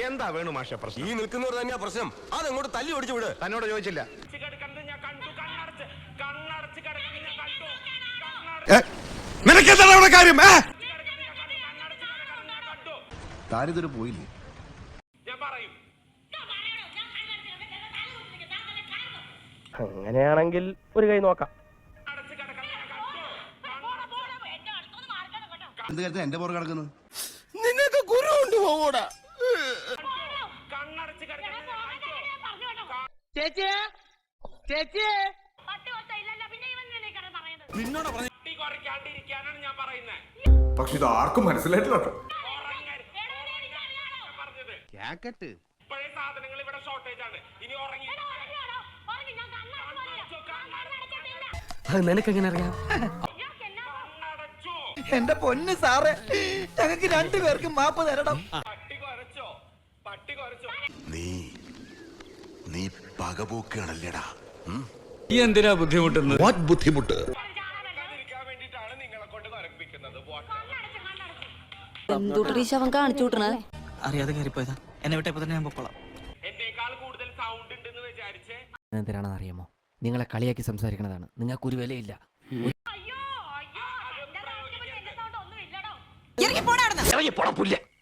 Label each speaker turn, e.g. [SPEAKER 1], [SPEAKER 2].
[SPEAKER 1] എന്താ വേണു മാഷ പ്രശ്നം?
[SPEAKER 2] ഈ നിൽക്കുന്നവർ തന്നെയാ പ്രശ്നം. അതെങ്ങോട്ട് തല്ലി ഓടിച്ചു വിട്.
[SPEAKER 1] തന്നോട് ചോദിച്ചില്ല.
[SPEAKER 2] നിനക്കെന്താണ് കാര്യം?
[SPEAKER 3] താരിതൊരു പോയില്ലേ?
[SPEAKER 4] അങ്ങനെയാണെങ്കിൽ ഒരു കൈ നോക്കാം.
[SPEAKER 3] എന്ത് കാര്യത്തിന് എന്റെ പുറകെ കിടക്കുന്നു?
[SPEAKER 2] നിനക്ക് ഗുരു ഉണ്ട് പോകൂടാ.
[SPEAKER 5] പക്ഷെ ഇത് ആർക്കും മനസ്സിലായിട്ടില്ല.
[SPEAKER 4] അത് നിനക്കെങ്ങനെ അറിയാം?
[SPEAKER 6] എന്റെ പൊന്ന് സാറേ, ഞങ്ങൾക്ക് രണ്ടുപേർക്കും മാപ്പ് തരണം.
[SPEAKER 2] നീ പകപോക്കാണല്ലേടാ.
[SPEAKER 5] എന്തിനാ ബുദ്ധിമുട്ടുന്നത്?
[SPEAKER 2] ബുദ്ധിമുട്ട്
[SPEAKER 7] അവൻ കാണിച്ചു വിട്ടണ
[SPEAKER 6] അറിയാതെ കയറിപ്പോയതാ. എന്നെ വിട്ടപ്പോ തന്നെ ഞാൻ പൊക്കോളാം.
[SPEAKER 4] എന്തിനാണെന്ന് അറിയാമോ? നിങ്ങളെ കളിയാക്കി സംസാരിക്കണതാണ്. നിങ്ങൾക്ക് ഒരു വിലയില്ല.
[SPEAKER 7] ഇറങ്ങി പോടാ.